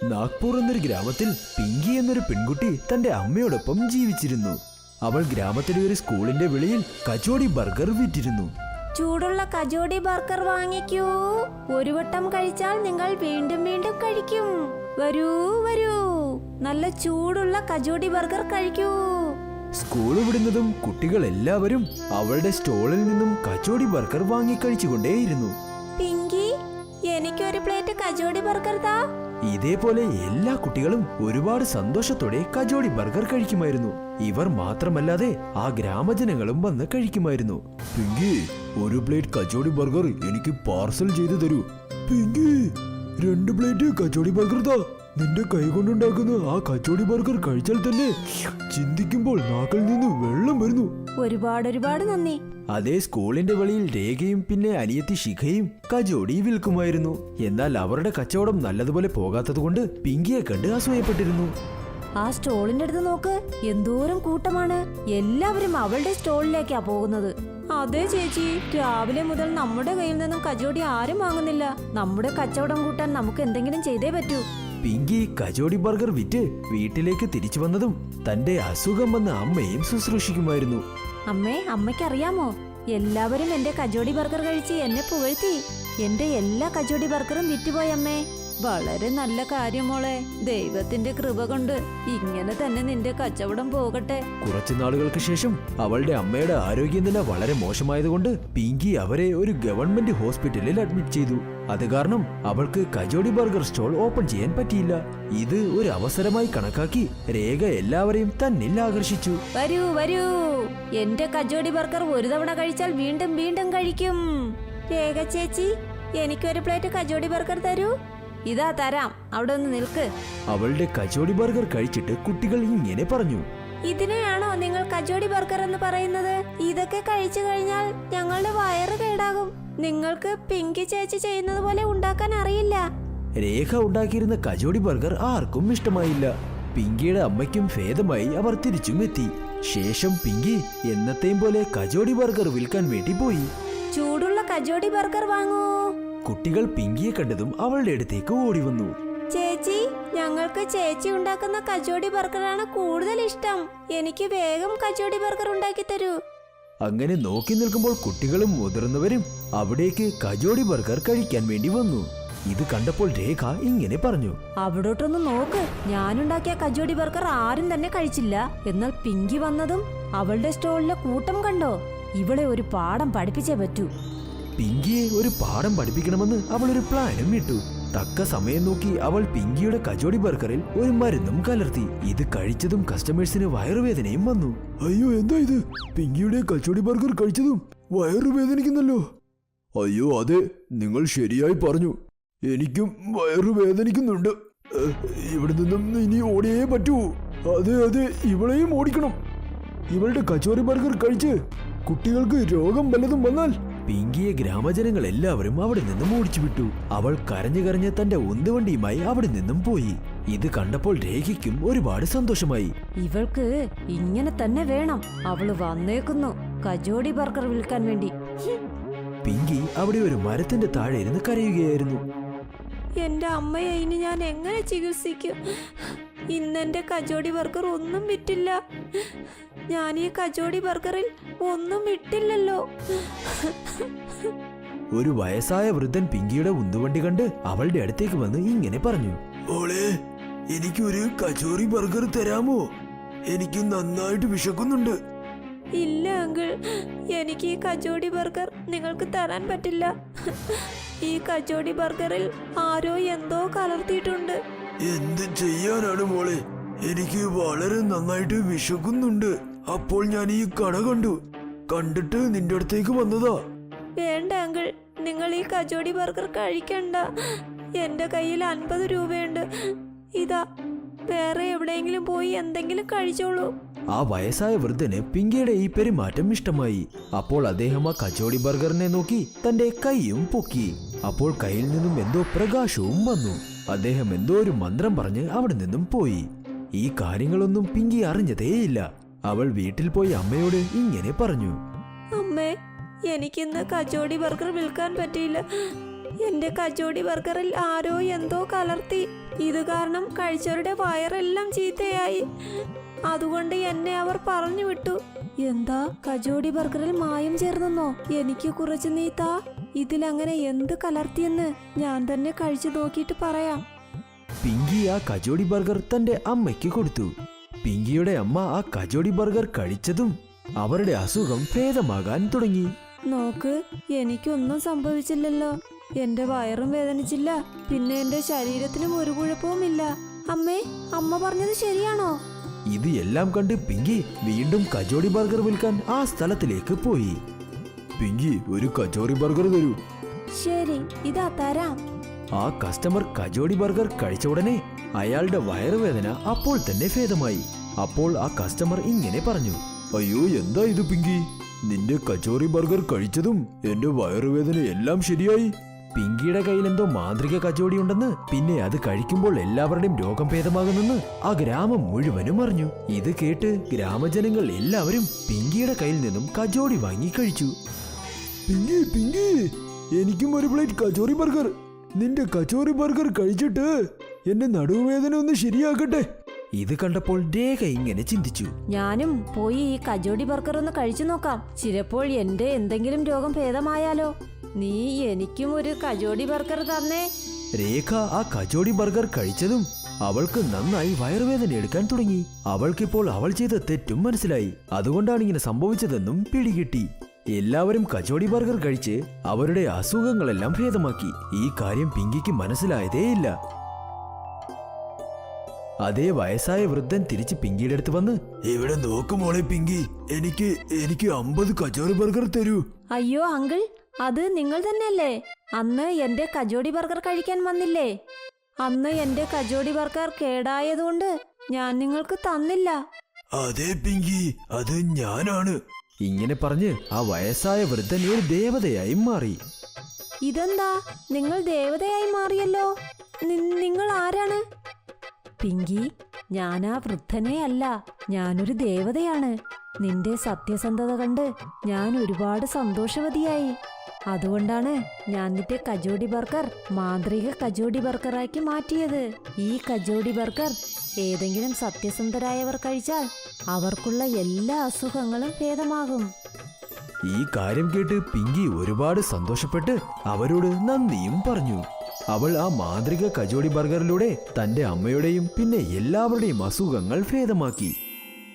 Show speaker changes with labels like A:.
A: നാഗ്പൂർ എന്നൊരു ഗ്രാമത്തിൽ പിങ്കി എന്നൊരു പെൺകുട്ടി തന്റെ അമ്മയോടൊപ്പം ജീവിച്ചിരുന്നു. അവൾ ഗ്രാമത്തിലെ ഒരു സ്കൂളിന്റെ വെളിയിൽ കച്ചോടി ബർഗർ വിറ്റിരുന്നു.
B: ചൂടുള്ള കച്ചോടി ബർഗർ വാങ്ങിക്കൂ. ഒരു വട്ടം കഴിച്ചാൽ നിങ്ങൾ വീണ്ടും വീണ്ടും കഴിക്കും. വരൂ വരൂ, നല്ല ചൂടുള്ള കച്ചോടി ബർഗർ കഴിക്കൂ.
A: സ്കൂൾ വിടുന്നതും കുട്ടികൾ എല്ലാവരും അവളുടെ സ്റ്റോളിൽ നിന്നും കച്ചോടി ബർഗർ വാങ്ങിക്കഴിച്ചുകൊണ്ടേയിരുന്നു.
B: പിങ്കി, എനിക്കൊരു പ്ലേറ്റ് കച്ചോടി ബർഗർ താ.
A: ഇതേപോലെ എല്ലാ കുട്ടികളും ഒരുപാട് സന്തോഷത്തോടെ കച്ചോടി ബർഗർ കഴിക്കുമായിരുന്നു. ഇവർ മാത്രമല്ലാതെ ആ ഗ്രാമജനങ്ങളും വന്ന് കഴിക്കുമായിരുന്നു. പിങ്കി, ഒരു പ്ലേറ്റ് കച്ചോടി ബർഗർ എനിക്ക് പാർസൽ ചെയ്തു തരൂ. പിങ്കി, 2 പ്ലേറ്റ് കച്ചോടി ബർഗർ താ. നിന്റെ കൈ കൊണ്ടുണ്ടാക്കുന്ന ആ കച്ചോടി ബർഗർ കഴിച്ചാൽ തന്നെ ചിന്തിക്കുമ്പോൾ നാക്കിൽ നിന്ന് വെള്ളം വരുന്നു.
B: ഒരുപാട് നന്ദി.
A: അതേ സ്കൂളിന്റെ വെളിയിൽ രേഖയും പിന്നെ അനിയത്തി ശിഖയും കച്ചോടി വിൽക്കുമായിരുന്നു. എന്നാൽ അവരുടെ കച്ചവടം നല്ലതുപോലെ പോകാത്തതുകൊണ്ട് പിങ്കിയെ കണ്ട് അസൂയപ്പെട്ടിരുന്നു.
B: ആ സ്റ്റോളിന്റെ അടുത്ത് നോക്ക്, എന്തോരം കൂട്ടമാണ്. എല്ലാവരും അവളുടെ സ്റ്റോളിലേക്കാ പോകുന്നത്. അതെ ചേച്ചി, രാവിലെ മുതൽ നമ്മുടെ കയ്യിൽ നിന്നും കച്ചോടി ആരും വാങ്ങുന്നില്ല. നമ്മുടെ കച്ചവടം കൂട്ടാൻ നമുക്ക് എന്തെങ്കിലും ചെയ്തേ പറ്റൂ.
A: പിങ്കി കച്ചോടി ബർഗർ വിറ്റ് വീട്ടിലേക്ക് തിരിച്ചു വന്നതും തന്റെ അസുഖം വന്ന അമ്മയും ശുശ്രൂഷിക്കുമായിരുന്നു.
B: അമ്മയ്ക്കറിയാമോ, എല്ലാവരും എന്റെ കച്ചോടി ബർഗർ കഴിച്ച് എന്നെ പുകഴ്ത്തി. എന്റെ എല്ലാ കച്ചോടി ബർഗറും വിറ്റുപോയി അമ്മേ. വളരെ നല്ല കാര്യം മോളെ. ദൈവത്തിന്റെ കൃപ കൊണ്ട് ഇങ്ങനെ തന്നെ നിന്റെ കച്ചവടം പോകട്ടെ.
A: കുറച്ചു നാളുകൾക്ക് ശേഷം അവളുടെ അമ്മയുടെ ആരോഗ്യനില വളരെ മോശമായതുകൊണ്ട് പിങ്കി അവരെ ഒരു ഗവൺമെന്റ് ഹോസ്പിറ്റലിൽ അഡ്മിറ്റ് ചെയ്തു. അത് കാരണം അവൾക്ക് കച്ചോടി ബർഗർ സ്റ്റോൾ ഓപ്പൺ ചെയ്യാൻ പറ്റിയില്ല. ഇത് ഒരു അവസരമായി കണക്കാക്കി രേഖ എല്ലാവരെയും തന്നിൽ ആകർഷിച്ചു.
B: വരൂ വരൂ, എന്റെ കച്ചോടി ബർഗർ ഒരു തവണ കഴിച്ചാൽ വീണ്ടും വീണ്ടും കഴിക്കും. രേഖ ചേച്ചി, എനിക്കൊരു പ്ലേറ്റ് കച്ചോടി ബർഗർ തരൂ. ഇതാ തരാം, അവിടെ ഒന്ന് നിൽക്ക്.
A: അവളുടെ കച്ചോടി ബർഗർ കഴിച്ചിട്ട് കുട്ടികൾ ഇങ്ങനെ പറഞ്ഞു.
B: ഇതിനെയാണോ നിങ്ങൾ കച്ചോടി ബർഗർ എന്ന് പറയുന്നത്? ഇതൊക്കെ കഴിച്ചു കഴിഞ്ഞാൽ ഞങ്ങളുടെ വയറ് കേടാകും. നിങ്ങൾക്ക് പിങ്കി ചേച്ചി ചെയ്യുന്നത് പോലെ ഉണ്ടാക്കാൻ അറിയില്ല.
A: രേഖ ഉണ്ടാക്കിയിരുന്ന കച്ചോടി ബർഗർ ആർക്കും ഇഷ്ടമായില്ല. പിങ്കിയുടെ അമ്മയ്ക്കും ഭേദമായി അവർ തിരിച്ചും എത്തി. ശേഷം പിങ്കി എന്നത്തെയും പോലെ കച്ചോടി ബർഗർ വിൽക്കാൻ വേണ്ടി പോയി.
B: ചൂടുള്ള കച്ചോടി ബർഗർ വാങ്ങൂ.
A: കുട്ടികൾ പിങ്കിയെ കണ്ടതും അവളുടെ അടുത്തേക്ക് ഓടി വന്നു.
B: ചേച്ചി, ഞങ്ങൾക്ക് ചേച്ചി ഉണ്ടാക്കുന്ന കച്ചോടി ബർഗറാണ് കൂടുതൽ ഇഷ്ടം. എനിക്ക് വേഗം കച്ചോടി ബർഗർ ഉണ്ടാക്കി തരൂ.
A: അങ്ങനെ നോക്കി നിൽക്കുമ്പോൾ കുട്ടികളും മുതിർന്നവരും അവിടേക്ക് കച്ചോടി ബർഗർ കഴിക്കാൻ വേണ്ടി വന്നു. ഇത് കണ്ടപ്പോൾ രേഖ ഇങ്ങനെ പറഞ്ഞു.
B: അവിടോട്ടൊന്ന് നോക്ക്, ഞാനുണ്ടാക്കിയ കച്ചോടി ബർഗർ ആരും തന്നെ കഴിച്ചില്ല. എന്നാൽ പിങ്കി വന്നതും അവളുടെ സ്റ്റോളിലെ കൂട്ടം കണ്ടോ? ഇവളെ ഒരു പാഠം പഠിപ്പിച്ചേ പറ്റൂ.
A: പിങ്കിയെ ഒരു പാഠം പഠിപ്പിക്കണമെന്ന് അവൾ ഒരു പ്ലാനും ഇട്ടു. തക്ക സമയം നോക്കി അവൾ പിങ്കിയുടെ കച്ചോടി ബർഗറിൽ ഒരു മരുന്നും കലർത്തി. ഇത് കഴിച്ചതും കസ്റ്റമേഴ്സിന് വയറുവേദനയും വന്നു. അയ്യോ, എന്താ ഇത്? പിങ്കിയുടെ കച്ചോടി ബർഗർ കഴിച്ചതും വയറുവേദനിക്കുന്നല്ലോ. അയ്യോ അതെ, നിങ്ങൾ ശരിയായി പറഞ്ഞു. എനിക്കും വയറുവേദനിക്കുന്നുണ്ട്. ഇവിടെ നിന്നും ഇനി ഓടിയേ പറ്റൂ. അതെ അതെ, ഇവളെയും ഓടിക്കണം. ഇവളുടെ കച്ചോടി ബർഗർ കഴിച്ച് കുട്ടികൾക്ക് രോഗം വല്ലതും വന്നാൽ. പിങ്കിയെ ഗ്രാമജനങ്ങൾ എല്ലാവരും അവിടെ നിന്നും ഓടിച്ചു വിട്ടു. അവൾ കരഞ്ഞു കരഞ്ഞ് തന്റെ ഉന്തുവണ്ടിയുമായി അവിടെ നിന്നും പോയി. ഇത് കണ്ടപ്പോൾ രേഖയ്ക്കും ഒരുപാട് സന്തോഷമായി.
B: ഇവൾക്ക് ഇങ്ങനെ തന്നെ വേണം. അവള് വന്നേക്കുന്നു കച്ചോടി ബർഗർ വിൽക്കാൻ വേണ്ടി.
A: പിങ്കി അവിടെ ഒരു മരത്തിന്റെ താഴെ ഇരുന്ന് കരയുകയായിരുന്നു.
B: എന്റെ അമ്മയെ ഇനി ഞാൻ എങ്ങനെ ചികിത്സിക്കും? ഇന്നെന്റെ കച്ചോടി ബർഗർ ഒന്നും വിറ്റില്ല. ഞാൻ ഈ കച്ചോടി ബർഗറിൽ ഒന്നും ഇട്ടില്ലല്ലോ.
A: ഒരു വയസ്സായ വൃദ്ധൻ പിങ്കിയുടെ ഉന്തുവണ്ടി കണ്ട് അവളുടെ അടുത്തേക്ക് വന്ന് ഇങ്ങനെ പറഞ്ഞു. മോളെ, എനിക്കൊരു കച്ചോറി ബർഗർ തരാമോ? എനിക്ക് നന്നായിട്ട് വിശക്കുന്നുണ്ട്.
B: ഇല്ല അങ്കിൾ, എനിക്ക് ഈ കച്ചോടി ബർഗർ നിങ്ങൾക്ക് തരാൻ പറ്റില്ല. ഈ കച്ചോടി ബർഗറിൽ ആരോ എന്തോ കലർത്തിയിട്ടുണ്ട്.
A: എന്ത് ചെയ്യാനാണ് മോളെ? എനിക്ക് വളരെ നന്നായിട്ട് വിശക്കുന്നുണ്ട്. അപ്പോൾ ഞാൻ ഈ കട കണ്ടിട്ട് നിന്റെ അടുത്തേക്ക് വന്നതാ.
B: വേണ്ട അങ്കിൾ, നിങ്ങൾ ഈ കച്ചോടി ബർഗർ കഴിക്കണ്ട. എന്റെ കയ്യിൽ 50 രൂപയുണ്ട്. ഇതാ, വേറെ എവിടെയെങ്കിലും പോയി എന്തെങ്കിലും കഴിച്ചോളൂ.
A: ആ വയസ്സായ വൃദ്ധന് പിങ്കിയുടെ ഈ പെരുമാറ്റം ഇഷ്ടമായി. അപ്പോൾ അദ്ദേഹം ആ കച്ചോടി ബർഗറിനെ നോക്കി തന്റെ കൈയും പൊക്കി. അപ്പോൾ കയ്യിൽ നിന്നും എന്തോ പ്രകാശവും വന്നു. അദ്ദേഹം എന്തോ ഒരു മന്ത്രം പറഞ്ഞ് അവിടെ നിന്നും പോയി. ഈ കാര്യങ്ങളൊന്നും പിങ്കി അറിഞ്ഞതേയില്ല. അവൾ വീട്ടിൽ പോയി അമ്മയോട് ഇങ്ങനെ പറഞ്ഞു.
B: അമ്മേ, എനിക്കിന്ന് കച്ചോടി ബർഗർ വിൽക്കാൻ പറ്റിയില്ല. എന്റെ കച്ചോടി ബർഗറിൽ ആരോ എന്തോ കലർത്തി. ഇത് കാരണം കഴിച്ചവരുടെ വയറെല്ലാം ചീത്തയായി. അതുകൊണ്ട് എന്നെ അവർ പറഞ്ഞു വിട്ടു. എന്താ, കച്ചോടി ബർഗറിൽ മായം ചേർന്നെന്നോ? എനിക്ക് കുറച്ച് നീ താ. ഇതിലങ്ങനെ എന്ത് കലർത്തിയെന്ന് ഞാൻ തന്നെ കഴിച്ചു നോക്കിയിട്ട് പറയാം.
A: പിങ്കി ആ കജോടി ബർഗർ തന്റെ അമ്മയ്ക്ക് കൊടുത്തു. പിങ്കിയുടെ അമ്മ ആ കജോടി ബർഗർ കഴിച്ചതും അവരുടെ അസുഖം ഭേദമാകാൻ തുടങ്ങി.
B: നോക്ക്, എനിക്കൊന്നും സംഭവിച്ചില്ലല്ലോ. എന്റെ വയറും വേദനിച്ചില്ല, പിന്നെ എന്റെ ശരീരത്തിനും ഒരു കുഴപ്പവുമില്ല. അമ്മേ, അമ്മ പറഞ്ഞത് ശരിയാണോ?
A: ഇത് എല്ലാം കണ്ട് പിങ്കി വീണ്ടും കജോടി ബർഗർ വിൽക്കാൻ ആ സ്ഥലത്തിലേക്ക് പോയി. പിങ്കി, ഒരു കജോടി ബർഗർ തരൂ.
B: ശരി, ഇതാ തരാം.
A: ആ കസ്റ്റമർ കജോടി ബർഗർ കഴിച്ച ഉടനെ അയാളുടെ വയറുവേദന അപ്പോൾ തന്നെ ഭേദമായി. അപ്പോൾ ആ കസ്റ്റമർ ഇങ്ങനെ പറഞ്ഞു, അയ്യോ, എന്താ ഇത് പിങ്കി? നിന്റെ കച്ചോറി ബർഗർ കഴിച്ചതും എന്റെ വയറുവേദന എല്ലാം ശരിയായി. പിങ്കിയുടെ കയ്യിൽ എന്തോ മാന്ത്രിക കച്ചോടി ഉണ്ടെന്ന്, പിന്നെ അത് കഴിക്കുമ്പോൾ എല്ലാവരുടെയും രോഗം ഭേദമാകുന്നെന്ന് ആ ഗ്രാമം മുഴുവനും അറിഞ്ഞു. ഇത് കേട്ട് ഗ്രാമജനങ്ങൾ എല്ലാവരും പിങ്കിയുടെ കയ്യിൽ നിന്നും കച്ചോടി വാങ്ങി കഴിച്ചു. പിങ്കി, പിങ്കി, എനിക്കും ഒരു പ്ലേറ്റ് കച്ചോറി ബർഗർ. നിന്റെ കച്ചോറി ബർഗർ കഴിച്ചിട്ട് എന്റെ നടുവേദന ഒന്ന് ശരിയാക്കട്ടെ. ഇത് കണ്ടപ്പോൾ രേഖ ഇങ്ങനെ ചിന്തിച്ചു,
B: ഞാനും പോയി ഈ കജോടി ബർഗർ ഒന്ന് കഴിച്ചു നോക്കാം. ചിലപ്പോൾ എന്റെ എന്തെങ്കിലും രോഗം ഭേദമായാലോ. നീ എനിക്കും ഒരു കജോടി ബർഗർ തന്നേ.
A: രേഖ ആ കജോടി ബർഗർ കഴിച്ചതും അവൾക്ക് നന്നായി വയറുവേദന എടുക്കാൻ തുടങ്ങി. അവൾക്കിപ്പോൾ അവൾ ചെയ്ത തെറ്റും മനസ്സിലായി. അതുകൊണ്ടാണ് ഇങ്ങനെ സംഭവിച്ചതെന്നും പിടികിട്ടി. എല്ലാവരും കച്ചോടി ബർഗർ കഴിച്ച് അവരുടെ അസുഖങ്ങളെല്ലാം ഭേദമാക്കി. ഈ കാര്യം പിങ്കിക്ക് മനസ്സിലായതേയില്ല. അതേ വയസ്സായ വൃദ്ധൻ തിരിച്ച് പിങ്കിയുടെ അടുത്ത് വന്ന്, ഇവിടെ നോക്കുമോളെ പിങ്കി, എനിക്ക് 50 കച്ചോറി ബർഗർ തരൂ.
B: അയ്യോ അങ്കിൾ, അത് നിങ്ങൾ തന്നെയല്ലേ അന്ന് എന്റെ കജോടി ബർഗർ കഴിക്കാൻ വന്നില്ലേ? അന്ന് എന്റെ കജോടി ബർഗർ കേടായതുകൊണ്ട് ഞാൻ നിങ്ങൾക്ക് തന്നില്ല.
A: അതെ പിങ്കി, അത് ഞാനാണ്. ഇങ്ങനെ പറഞ്ഞ് ആ വയസ്സായ വൃദ്ധൻ ഒരു ദേവതയായി മാറി.
B: ഇതെന്താ, നിങ്ങൾ ദേവതയായി മാറിയല്ലോ. നിങ്ങൾ ആരാണ്? പിങ്കി, ഞാനാ വൃദ്ധനെ അല്ല, ഞാനൊരു ദേവതയാണ്. നിന്റെ സത്യസന്ധത കണ്ട് ഞാൻ ഒരുപാട് സന്തോഷവതിയായി. അതുകൊണ്ടാണ് ഞാൻ നിന്റെ കജോടി ബർഗർ മാന്ത്രിക കജോടി ബർഗറാക്കി മാറ്റിയത്. ഈ കജോടി ബർഗർ ഏതെങ്കിലും സത്യസന്ധരായവർ കഴിച്ചാൽ അവർക്കുള്ള എല്ലാ അസുഖങ്ങളും ഭേദമാകും.
A: ഈ കാര്യം കേട്ട് പിങ്കി ഒരുപാട് സന്തോഷപ്പെട്ട് അവരോട് നന്ദിയും പറഞ്ഞു. അവൾ ആ മാന്ത്രിക കജോടി ബർഗറിലൂടെ തന്റെ അമ്മയുടെയും പിന്നെ എല്ലാവരുടെയും അസുഖങ്ങൾ ഭേദമാക്കി.